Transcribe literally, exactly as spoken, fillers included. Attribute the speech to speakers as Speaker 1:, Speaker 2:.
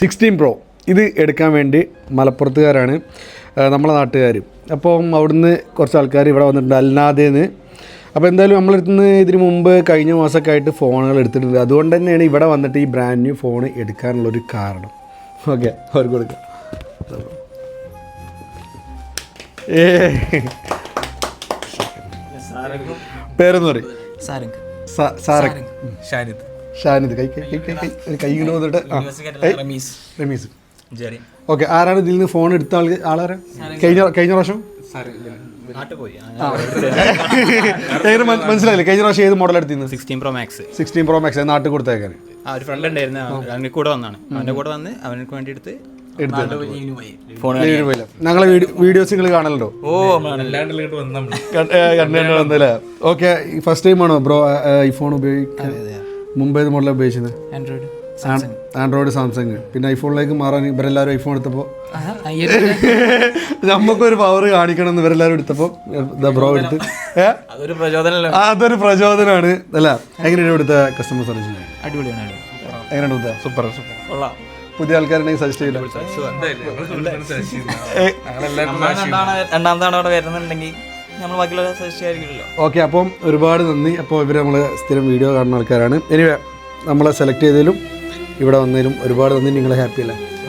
Speaker 1: Sixteen pro ഇത് എടുക്കാൻ വേണ്ടി മലപ്പുറത്തുകാരാണ് നമ്മളെ നാട്ടുകാർ. അപ്പം അവിടുന്ന് കുറച്ച് ആൾക്കാർ ഇവിടെ വന്നിട്ടുണ്ട് അൽനാദേന്ന്. അപ്പോൾ എന്തായാലും നമ്മളെടുത്ത് നിന്ന് ഇതിന് മുമ്പ് കഴിഞ്ഞ മാസമൊക്കെ ആയിട്ട് ഫോണുകൾ എടുത്തിട്ടുണ്ട്. അതുകൊണ്ട് തന്നെയാണ് ഇവിടെ വന്നിട്ട് ഈ ബ്രാൻഡ് ന്യൂ ഫോൺ എടുക്കാനുള്ളൊരു കാരണം. ഓക്കെ, അവർക്ക് കൊടുക്കാം. ഏ പേരെന്ന് പറയും സാരംഗ്
Speaker 2: ഷാനിദ്
Speaker 1: ഷാനിദ് കൈ കൈ കൈ കൈ ഒരു കൈ ഇങ്ങനെ വന്നിട്ട് റമീസ്. ഓക്കെ, ആരാണ് ഇതിൽ നിന്ന് ഫോൺ എടുത്ത ആൾ? ആളാരാ? കഴിഞ്ഞ കഴിഞ്ഞ പ്രാവശ്യം എങ്ങനെ മനസ്സിലായില്ലേ? കഴിഞ്ഞ പ്രാവശ്യം ഏത് മോഡൽ എടുത്തിരുന്നു?
Speaker 2: Sixteen pro max.
Speaker 1: Sixteen pro max നാട്ടിൽ കൊടുത്തേക്കാൻ
Speaker 2: ആ ഒരു ഫ്രണ്ട് ഉണ്ടായിരുന്നു, അവൻ്റെ കൂടെ വന്നാണ്. അവൻ്റെ കൂടെ വന്ന് അവനക്ക് വേണ്ടി എടുത്ത്
Speaker 1: ഞങ്ങളെ വീഡിയോസ് നിങ്ങൾ കാണലുണ്ടോ?
Speaker 2: ഓ
Speaker 1: കണ്ടു വന്നല്ലേ? ഓക്കെ, ഫസ്റ്റ് ടൈം ആണോ ബ്രോ ഈ ഫോൺ ഉപയോഗിക്കാൻ? മുമ്പ് ഏത് മോഡലാണ് ഉപയോഗിച്ചത്?
Speaker 2: Android
Speaker 1: android Samsung. പിന്നെ ഐഫോണിലേക്ക് മാറാൻ ഇവരെല്ലാവരും ഐഫോൺ എടുത്തപ്പോൾ നമുക്കൊരു പവർ കാണിക്കണം എന്ന് ഇവരെല്ലാവരും എടുത്തപ്പോൾ ബ്രോ എടുത്ത്
Speaker 2: അതൊരു പ്രചോദനം
Speaker 1: അതൊരു പ്രചോദനമാണ് അല്ല. എങ്ങനെയാണ് ഇവിടുത്തെ കസ്റ്റമർ സർവീസ്?
Speaker 2: അടിപൊളിയാണ്.
Speaker 1: എങ്ങനെയാണ് ഇവിടുത്തെ?
Speaker 2: സൂപ്പർ സൂപ്പർ കൊള്ളാം.
Speaker 1: പുതിയ ആൾക്കാരുണ്ടെങ്കിൽ സജസ്റ്റ് ചെയ്യില്ല?
Speaker 2: രണ്ടാമതാണ് അവിടെ വരുന്നുണ്ടെങ്കിൽ നമ്മൾ ബാക്കിയുള്ള സജസ്റ്റ് ആയിരിക്കില്ലല്ലോ.
Speaker 1: ഓക്കെ, അപ്പം ഒരുപാട് നന്ദി. അപ്പോൾ ഇവർ നമ്മൾ സ്ഥിരം വീഡിയോ കാണുന്ന ആൾക്കാരാണ്. എനിവേ നമ്മളെ സെലക്ട് ചെയ്തതിലും ഇവിടെ വന്നതിലും ഒരുപാട് നന്ദി. നിങ്ങളെ ഹാപ്പി അല്ലേ?